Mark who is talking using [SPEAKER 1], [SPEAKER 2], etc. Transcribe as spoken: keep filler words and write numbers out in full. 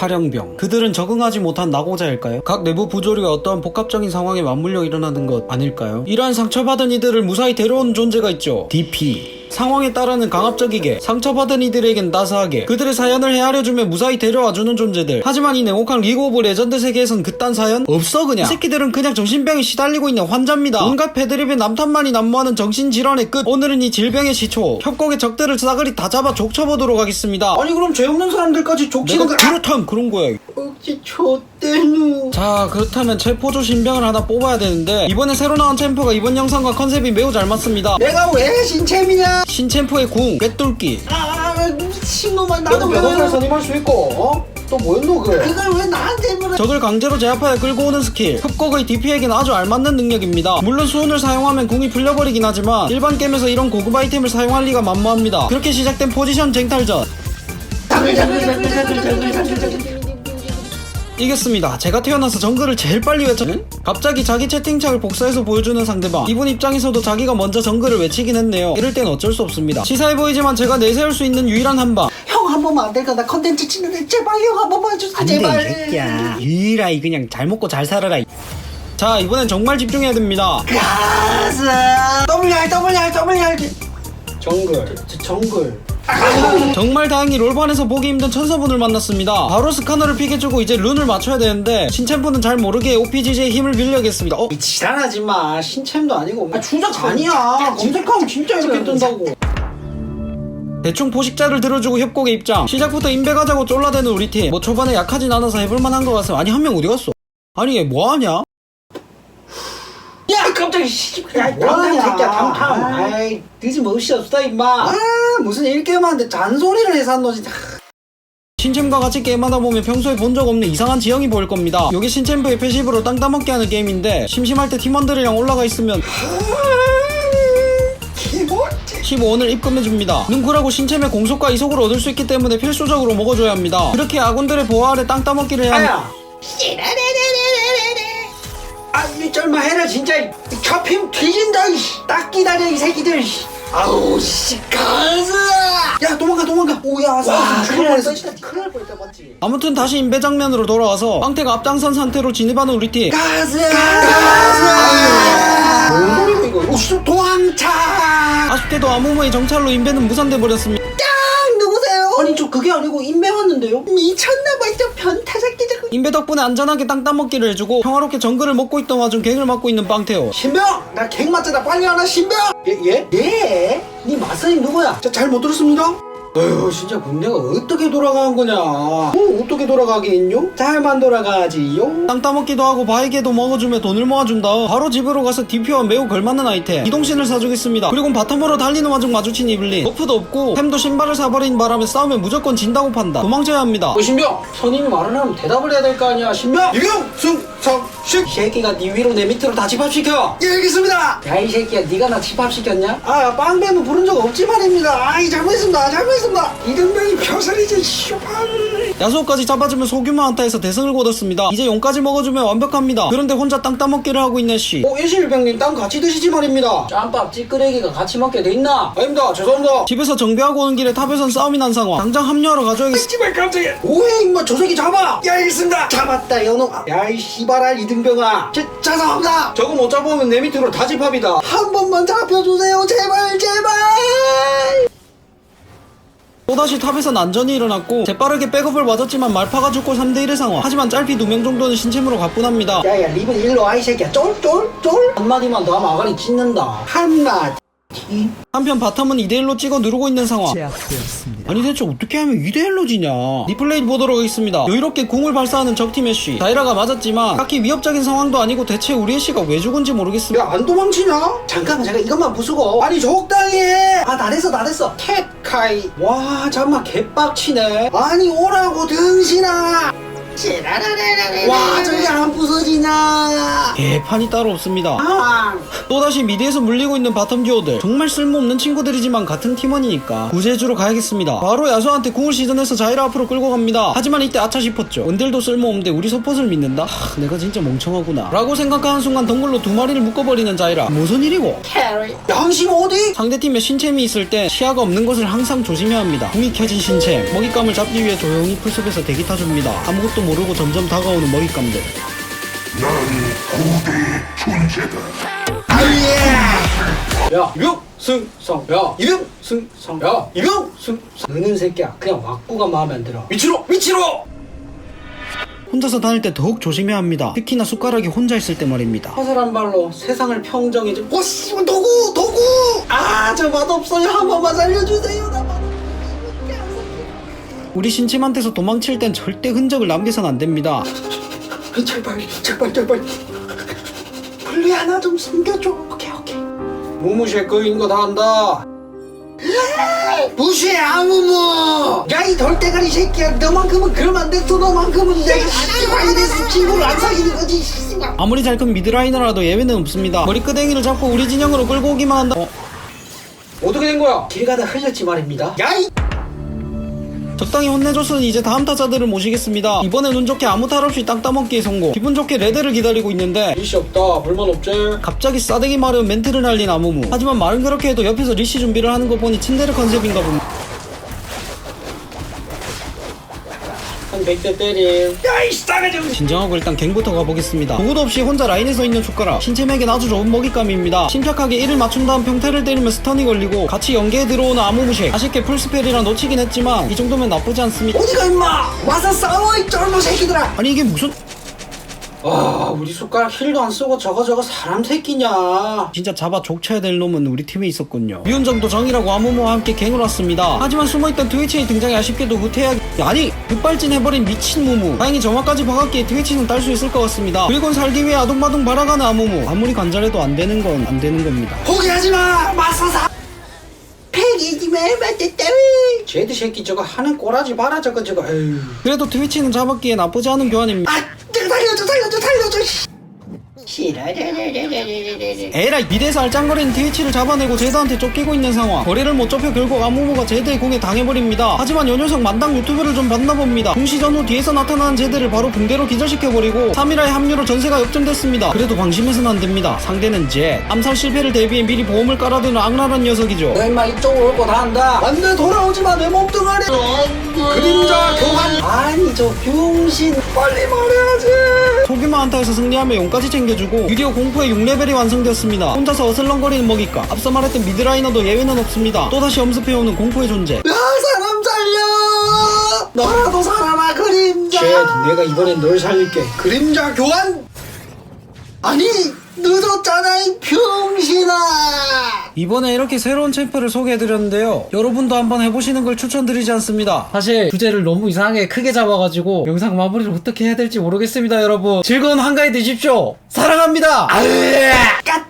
[SPEAKER 1] 탈영병. 그들은 적응하지 못한 낙오자일까요? 각 내부 부조리가 어떠한 복합적인 상황에 맞물려 일어나는 것 아닐까요? 이러한 상처받은 이들을 무사히 데려오는 존재가 있죠. 디피. 상황에 따라는 강압적이게, 상처받은 이들에겐 따스하게 그들의 사연을 헤아려주며 무사히 데려와주는 존재들. 하지만 이 냉혹한 리그 오브 레전드 세계에선 그딴 사연 없어. 그냥 이 새끼들은 그냥 정신병에 시달리고 있는 환자입니다. 온갖 패드립에 남탄만이 난무하는 정신질환의 끝. 오늘은 이 질병의 시초, 협곡의 적들을 싸그리 다 잡아 족쳐보도록 하겠습니다.
[SPEAKER 2] 아니 그럼 죄 없는 사람들까지 족치는
[SPEAKER 1] 내가 그렇다면 그런 거야.
[SPEAKER 2] 억지 좆대누.
[SPEAKER 1] 자, 그렇다면 체포조 신병을 하나 뽑아야 되는데 이번에 새로 나온 챔프가 이번 영상과 컨셉이 매우 잘 맞습니다.
[SPEAKER 2] 내가 왜 신챔이냐?
[SPEAKER 1] 신챔프의 궁, 꿰뚫기.
[SPEAKER 2] 아 미친놈아. 나도
[SPEAKER 1] 왜-
[SPEAKER 2] 변호사를 선임할 수 있고 어? 또 뭐였노 그? 이걸 왜 나한테 물어?
[SPEAKER 1] 적을 강제로 제압하여 끌고 오는 스킬. 협곡의 디피에겐 아주 알맞는 능력입니다. 물론 수훈을 사용하면 궁이 풀려버리긴 하지만 일반 게임에서 이런 고급 아이템을 사용할 리가 만무합니다. 그렇게 시작된 포지션 쟁탈전 이겼습니다. 제가 태어나서 정글을 제일 빨리 외쳐. 응? 갑자기 자기 채팅창을 복사해서 보여주는 상대방. 이분 입장에서도 자기가 먼저 정글을 외치긴 했네요. 이럴 땐 어쩔 수 없습니다. 치사해 보이지만 제가 내세울 수 있는 유일한 한방.
[SPEAKER 2] 형 한 번만 안 될까? 나 컨텐츠 찍는데 제발 형 한 번만 해주세요.
[SPEAKER 1] 안돼
[SPEAKER 2] 제발.
[SPEAKER 1] 이 새끼야. 유일하이 그냥 잘 먹고 잘 살아라. 자, 이번엔 정말 집중해야 됩니다.
[SPEAKER 2] 가자. 더블알 더블알 더블알. 정글. 저, 저, 정글.
[SPEAKER 1] 정말 다행히 롤판에서 보기 힘든 천사분을 만났습니다. 바로 스카너를 픽해주고 이제 룬을 맞춰야 되는데 신챔프는 잘 모르게 오피지제의 힘을 빌려야겠습니다. 어?
[SPEAKER 2] 지랄하지 마. 신챔도 아니고. 아 주작 아니야. 검색하면 진짜 이렇게 뜬다고.
[SPEAKER 1] 대충 포식자를 들어주고 협곡에 입장. 시작부터 인베 가자고 쫄라대는 우리 팀. 뭐 초반에 약하진 않아서 해볼만한 것 같아. 아니 한 명 어디 갔어? 아니 얘 뭐하냐?
[SPEAKER 2] 야 깜짝이야. 야 당당 새끼야 당당. 아이 늦으면 없이 없다 임마. 아 무슨 일게임하는데 잔소리를 해서 한 너 진짜.
[SPEAKER 1] 신챔과 같이 게임하다 보면 평소에 본 적 없는 이상한 지형이 보일 겁니다. 요게 신챔프의 패시브로 땅 따먹게 하는 게임인데 심심할 때 팀원들이랑 올라가 있으면 십오 원을 입금해줍니다. 능쿨하고 신챔의 공속과 이속을 얻을 수 있기 때문에 필수적으로 먹어줘야 합니다. 그렇게 아군들의 보호 아래 땅 따먹기를 해야 합니다.
[SPEAKER 2] 아, 이 쩔마 해라 진짜. 처핌 뒤진다. 이씨. 딱 기다려 이 새끼들. 아우 씨 가자. 야 도망가 도망가. 오야 죽을 뻔했어. 진짜 큰일 날 뻔했다 맞지?
[SPEAKER 1] 아무튼 다시 인베 장면으로 돌아와서 빵태가 앞장선 상태로 진입하는 우리 팀.
[SPEAKER 2] 가자 가자. 뭔 소리고 이거? 우수 도망차.
[SPEAKER 1] 아쉽게도 아무모의 정찰로 인베는 무산돼 버렸습니다.
[SPEAKER 2] 누구세요? 아니 저 그게 아니고 인베 왔는데요. 미쳤나봐 이 변태 새끼.
[SPEAKER 1] 인베 덕분에 안전하게 땅 따먹기를 해주고 평화롭게 정글을 먹고 있던 와중 갱을 맡고 있는 빵태요.
[SPEAKER 2] 신병! 나 갱 맞잖아. 빨리 하나 신병! 예? 예? 예? 니 마사님 누구야? 자, 잘 못 들었습니다. 어휴 진짜 군대가 어떻게 돌아가는 거냐. 어, 어떻게 돌아가겠뇨? 잘만 돌아가지요.
[SPEAKER 1] 땅 따먹기도 하고 바에게도 먹어주며 돈을 모아준 다음 바로 집으로 가서 디피와 매우 걸맞는 아이템 이동신을 사주겠습니다. 그리고 바텀으로 달리는 와중 마주친 이블린. 버프도 없고 템도 신발을 사버린 바람에 싸우면 무조건 진다고 판다. 도망쳐야 합니다.
[SPEAKER 2] 어 신병! 선임이 말을 하면 대답을 해야 될 거 아니야. 신병! 이경! 승! 성! 식! 이 새끼가 니 위로 내 밑으로 다 집합시켜. 예 알겠습니다. 야 이 새끼야 니가 나 집합시켰냐? 아 빵배는 부른 적 없지 말입니다. 아이 잘못했습니다. 잘못했습니다. 이등병이 표설이지 씨발.
[SPEAKER 1] 야수까지 잡아주면 소규모 한타에서 대승을 거뒀습니다. 이제 용까지 먹어주면 완벽합니다. 그런데 혼자 땅 따먹기를 하고 있는 씨.
[SPEAKER 2] 어 일실병님 땅 같이 드시지 말입니다. 짬밥 찌끄레기가 같이 먹게 돼 있나? 아닙니다. 죄송합니다.
[SPEAKER 1] 집에서 정비하고 오는 길에 탑에선 싸움이 난 상황. 당장 합류하러 가줘야겠어.
[SPEAKER 2] 씨발 깜짝이야. 뭐해 임마 저 새끼 잡아. 야 알겠습니다. 잡았다 연호. 야이 씨발알 이등병아. 제, 죄송합니다. 저거 못 잡으면 내 밑으로 다 집합이다. 한 번만 잡혀주세요 제발 제발.
[SPEAKER 1] 또다시 탑에선 안전이 일어났고 재빠르게 백업을 맞았지만 말파가 죽고 삼 대 일의 상황. 하지만 짤피 두 명 정도는 신챔으로 가뿐합니다.
[SPEAKER 2] 야야 리븐 일로 와 이 새끼야. 쫄쫄쫄. 한마디만 더 하면 아가리 찢는다. 한마디.
[SPEAKER 1] 한편 바텀은 이 대 일로 찍어 누르고 있는 상황.
[SPEAKER 3] 제압되었습니다.
[SPEAKER 1] 아니 대체 어떻게 하면 이 대 일로 지냐. 리플레이 보도록 하겠습니다. 여유롭게 궁을 발사하는 적팀 애쉬. 다이라가 맞았지만 딱히 위협적인 상황도 아니고 대체 우리 애쉬가 왜 죽은지 모르겠습니다.
[SPEAKER 2] 야 안 도망치냐? 잠깐만 잠깐 이것만 부수고. 아니 적당히 해. 아 나댔어 나댔어. 캣카이. 와 잠깐만 개빡치네. 아니 오라고 등신아. 와 저게 안 부서지냐.
[SPEAKER 1] 개판이 따로 없습니다.
[SPEAKER 2] 아.
[SPEAKER 1] 또다시 미드에서 물리고 있는 바텀 듀오들 정말 쓸모없는 친구들이지만 같은 팀원이니까 구제주로 가야겠습니다. 바로 야수한테 궁을 시전해서 자이라 앞으로 끌고 갑니다. 하지만 이때 아차 싶었죠. 은들도 쓸모없는데 우리 서폿을 믿는다? 하, 내가 진짜 멍청하구나 라고 생각하는 순간 덩굴로 두 마리를 묶어버리는 자이라. 무슨 일이고?
[SPEAKER 2] 캐리 양심 어디?
[SPEAKER 1] 상대팀에 신챔이 있을 때 시야가 없는 것을 항상 조심해야 합니다. 궁이 켜진 신챔 먹잇감을 잡기 위해 조용히 풀숲에서 대기 타줍니다. 아무것도 모르고 점점 다가오는 먹잇감들.
[SPEAKER 2] 야 이병승성 야 이병승성 야 이병승성 너는 새끼야 그냥 왁구가 마음에 안 들어. 위치로 위치로.
[SPEAKER 1] 혼자서 다닐 때 더욱 조심해야 합니다. 특히나 숟가락이 혼자 있을 때 말입니다.
[SPEAKER 2] 허술한 발로 세상을 평정해줘. 오 씨, 도구 도구. 아 저 맛없어요. 한 번만 살려주세요. 나 맛없어요.
[SPEAKER 1] 우리 신챔한테서 도망칠 땐 절대 흔적을 남겨선 안 됩니다.
[SPEAKER 2] 제발 제발 제발 분리 하나 좀 숨겨줘. 오케이 오케이. 무무시에 거인 거 다 한다. 무시해 아무무. 야 이 돌대가리 새끼야. 너만큼은 그러면 안 돼. 또 너만큼은 내가 씨발 이래서 친구를 안 사귀는 거지. 씨발.
[SPEAKER 1] 아무리 잘 큰 미드라이너라도 예외는 없습니다. 머리끄댕이를 잡고 우리 진영으로 끌고 오기만 한다. 어?
[SPEAKER 2] 어떻게 된 거야? 길 가다 흘렸지 말입니다. 야이.
[SPEAKER 1] 적당히 혼내줬으니 이제 다음 타자들을 모시겠습니다. 이번엔 운 좋게 아무 탈 없이 땅 따먹기에 성공. 기분 좋게 레드를 기다리고 있는데
[SPEAKER 2] 리시 없다. 불만 없지?
[SPEAKER 1] 갑자기 싸대기 마련 멘트를 날린 아무무. 하지만 말은 그렇게 해도 옆에서 리시 준비를 하는 거 보니 츤데레 컨셉인가 봅니다.
[SPEAKER 2] 한 백 대 때림. 야이 싸가지.
[SPEAKER 1] 진정하고 일단 갱부터 가보겠습니다. 누구도 없이 혼자 라인에 서 있는 숟가락. 신챔에겐 아주 좋은 먹잇감입니다. 침착하게 이를 맞춘 다음 평타를 때리면 스턴이 걸리고 같이 연계에 들어오는 아무무색. 아쉽게 풀스펠이라 놓치긴 했지만 이 정도면 나쁘지 않습니다.
[SPEAKER 2] 어디가 임마. 와서 싸워 이 쩔모 새끼들아.
[SPEAKER 1] 아니 이게 무슨...
[SPEAKER 2] 아 우리 숟가락 힐도 안 쓰고 저거 저거 사람 새끼냐.
[SPEAKER 1] 진짜 잡아 족쳐야 될 놈은 우리 팀에 있었군요. 미운정도 정이라고 아무무와 함께 갱을 왔습니다. 하지만 숨어있던 트위치의 등장이 아쉽게도 후퇴하기... 아니 급발진 해버린 미친 무무. 다행히 점화까지 박았기에 트위치는 딸 수 있을 것 같습니다. 그리곤 살기 위해 아둥바둥 발아가는 아무무. 아무리 간절해도 안 되는 건 안 되는 겁니다.
[SPEAKER 2] 포기하지마 맞서사. 패기지마 맞댔다. 쟤들 새끼 저거 하는 꼬라지 봐라 저거 저거. 에휴.
[SPEAKER 1] 그래도 트위치는 잡았기에 나쁘지 않은 교환입니다.
[SPEAKER 2] 아 저거 살려줘 살려줘 살려줘. 싫어.
[SPEAKER 1] 에라이 미드에서 알짱거리는 트위치를 잡아내고 제드한테 쫓기고 있는 상황. 거리를 못 좁혀 결국 아무무가 제드의 공에 당해버립니다. 하지만 요 녀석 만당 유튜브를 좀 봤나봅니다. 공시전 후 뒤에서 나타나는 제드를 바로 붕대로 기절시켜버리고 삼 일화의 합류로 전세가 역전됐습니다. 그래도 방심해서는 안됩니다. 상대는 제드. 암살 실패를 대비해 미리 보험을 깔아두는 악랄한 녀석이죠.
[SPEAKER 2] 너 임마 이쪽으로 올 거 다 한다. 안돼 돌아오지마 내 몸뚱아리. 그림자 교환. 아니 저 병신 빨리 말해야지.
[SPEAKER 1] 소규모 한타에서 승리하며 용까지 챙겨주고 드디어 공포의 육 레벨이 완성되었습니다. 혼자서 어슬렁거리는 먹잇감. 앞서 말했던 미드라이너도 예외는 없습니다. 또다시 엄습해오는 공포의 존재.
[SPEAKER 2] 야 사람 살려. 너라도 살아라 그림자. 쟤 내가 이번엔 널 살릴게. 그림자 교환. 아니 늦었잖아 이 병신아.
[SPEAKER 1] 이번에 이렇게 새로운 챔프를 소개해드렸는데요. 여러분도 한번 해보시는 걸 추천드리지 않습니다. 사실 주제를 너무 이상하게 크게 잡아가지고 영상 마무리를 어떻게 해야 될지 모르겠습니다. 여러분 즐거운 한가위 되십시오. 사랑합니다.
[SPEAKER 2] 아,